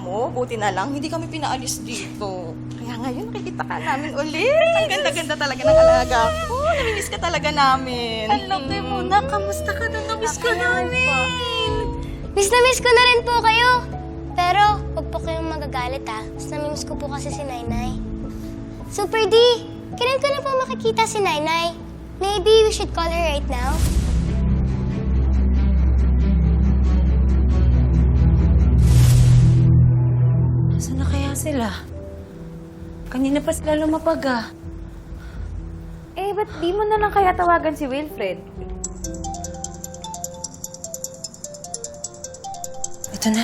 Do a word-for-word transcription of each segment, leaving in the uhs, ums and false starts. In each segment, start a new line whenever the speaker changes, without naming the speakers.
mo, buti na lang, hindi kami pinaalis dito. Kaya ngayon, nakikita ka namin ulit. Ang ganda-ganda talaga ng alaga ko. Namimiss ka talaga namin.
Hello, Muna. Kamusta ka na? Namiss ko namin.
Miss na miss ko na rin po kayo. Pero, huwag po kayong magagalit ha. Mas namimiss ko po kasi si Nainay. Super D, kailan ko na po makikita si Nainay? Maybe we should call her right now?
Saan na kaya sila? Kanina pa sila lumapag ah.
Eh, ba't di mo na lang kaya tawagan si Wilfred?
Ito na.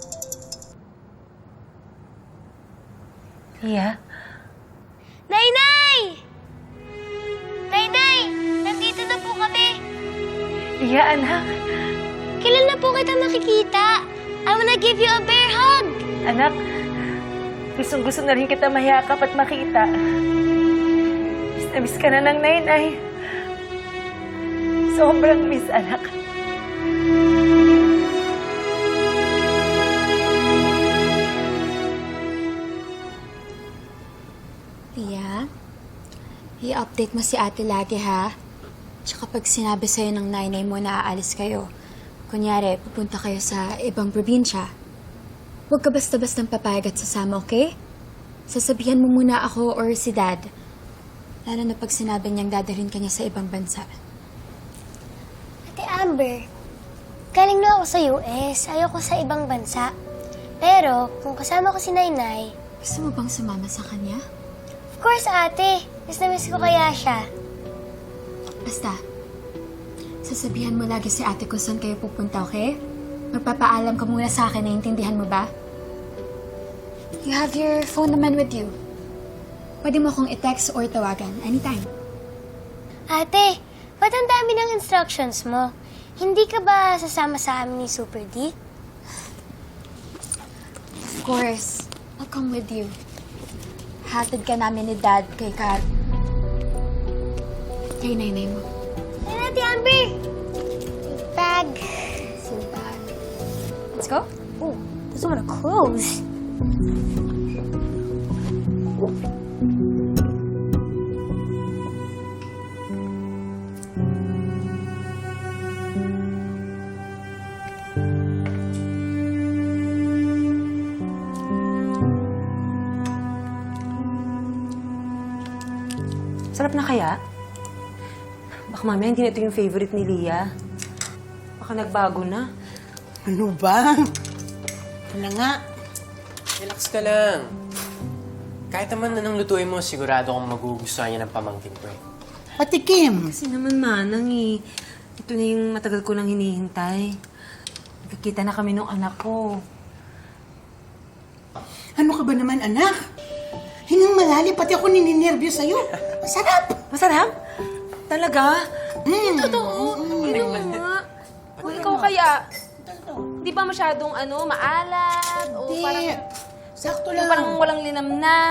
Lia?
Nainay! Nainay! Nandito na po kami.
Lia, anak.
Kailan na po kita makikita? I wanna give you a bear hug.
Anak, gustong-gusto na rin kita mayakap at makita. Miss na miss ka na ng Nainay. Sobrang miss, anak.
Lia, i-update mo si ate lagi ha. Tsaka pag sinabi sa'yo ng nanay mo na aalis kayo, kunyari, pupunta kayo sa ibang probinsya, huwag ka basta-bastang papayag at sasama, okay? Sasabihan mo muna ako or si Dad. Lalo na pag sinabi niyang dadalhin ka niya sa ibang bansa.
Ate Amber, galing na ako sa U S. Ayoko sa ibang bansa. Pero, kung kasama ko si Nainay,
Gusto mo bang sumama sa kanya?
of course, ate. Miss na miss ko kaya siya.
Basta, sasabihan mo lagi si ate kung saan kayo pupunta, okay? Magpapaalam ka muna sa akin, naiintindihan mo ba? You have your phone naman with you. Pwede mo akong i-text or tawagan anytime.
Ate, ba't ang dami ng instructions mo? Hindi ka ba sasama sa amin ni Super D?
Of course, I'll come with you. Hatid ka namin ni Dad kay Kat. Kay nanay mo.
Ayun, Ate Amber! Bag.
So bad. Let's go.
Ooh, those are my clothes.
Sarap na kaya? Baka mamaya hindi na ito yung favorite ni Lia. Baka nagbago na.
Ano ba? Ano nga?
Relax ka lang. Kahit naman anong lutuin mo, sigurado akong magugustuhan niya ng pamangkin ko eh.
Patikim.
Kasi naman manang eh. Ito na yung matagal ko nang hinihintay. Nagkikita na kami nung anak ko.
Ano ka ba naman, anak? Hinang malalim, pati ako nininervyo sa'yo. Masarap!
Masarap? Talaga?
Mm.
Totoo. Inom mo nga. Kung ikaw kaya, di ba masyadong ano, maalat? O
Hindi.
parang,
Sakto
yung
lang.
parang walang linamnam?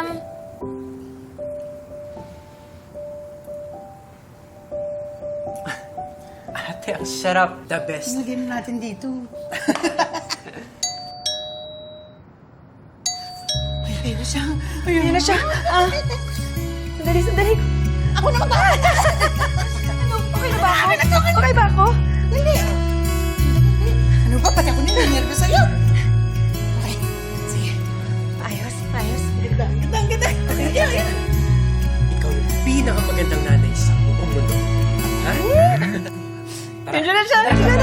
Ate, ang sarap. The best.
Sinagyan natin dito. Ay, ayun na siya. Ayun na siya.
Ah, sandali, sandali.
Ako na mag-aalas.
Ano, okay na ba ako? Okay ba ako?
Hindi. Ano ba? Pati ako nininervyo sa'yo. Okay. Sige.
Ayos, ayos.
Ganda, ganda, ganda. Sige, sige.
Ikaw yung pinakamagandang nanay sa buong mundo. Ha? Tara.
Diyan na siya, diyan